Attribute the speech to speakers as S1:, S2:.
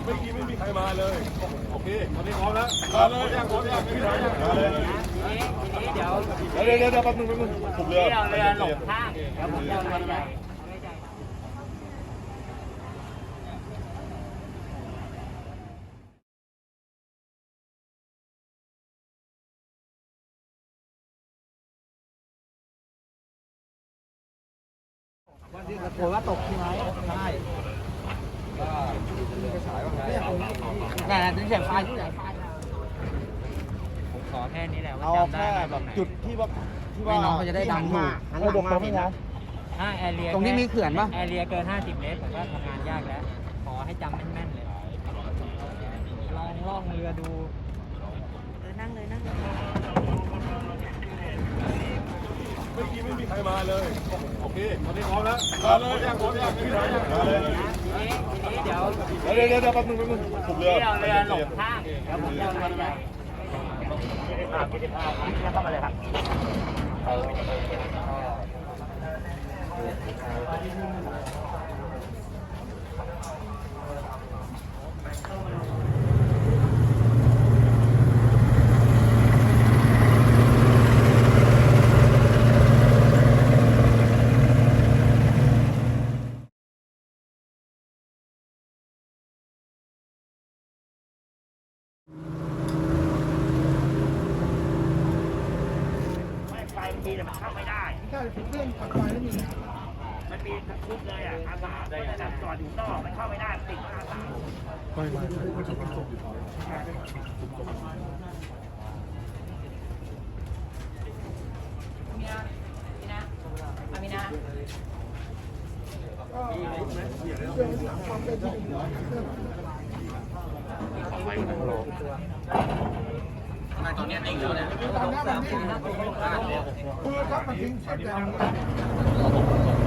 S1: ไม่มีใครมาเลยโอเคตอนนี้พร้อมแล้วมาเลยพร้อมยังไม่มีใครมาเลย
S2: ทีนี้เดี๋ยว
S1: แป๊บนึงถูกเรือ
S2: หลงข้างแล้วผมจะเอาเรือใหญ่โผล่ว่าตกใช่ไหมใช่แต่ถึงเสียงไฟที่ไหนไฟผมขอแค่นี้แหละว่าจำได้แบบ
S3: จุดที่ว่า
S2: น้องเขาจะได้ดังถูกถ้าแอเรียตรงนี้มีเขื่อนป่ะแอเรียเกิน50 เมตรผมว่าทำงานยากแล้วขอให้จำแม่นๆเลยลองล่องเรือดูนั่งเลย
S1: ไม่มีใครมาเลยโอเคตอนนี้พร้อมแล้วมาเลยพร้อมยังไม่มีใครมาเลย
S2: ทีนี้เดี๋ยว
S1: แป๊บนึงถูกเรือ
S2: หลงข้างแล้วผมจะเอาเรือใหญ่เข้ามาเลยครับไฟมันมีแต่มันเข้าไม่ได้ใช่เรื่องขับไฟไม่มีมันมีทั้งชุดเลยอ่ะอาสาก็จะจับจอดอยู่นอกมันเข้าไม่ได้ติดอาสามีนะตอนนี้นิ่งแล้วเนี่ยคือถ้ามันทิ้งเสร็จแล้ว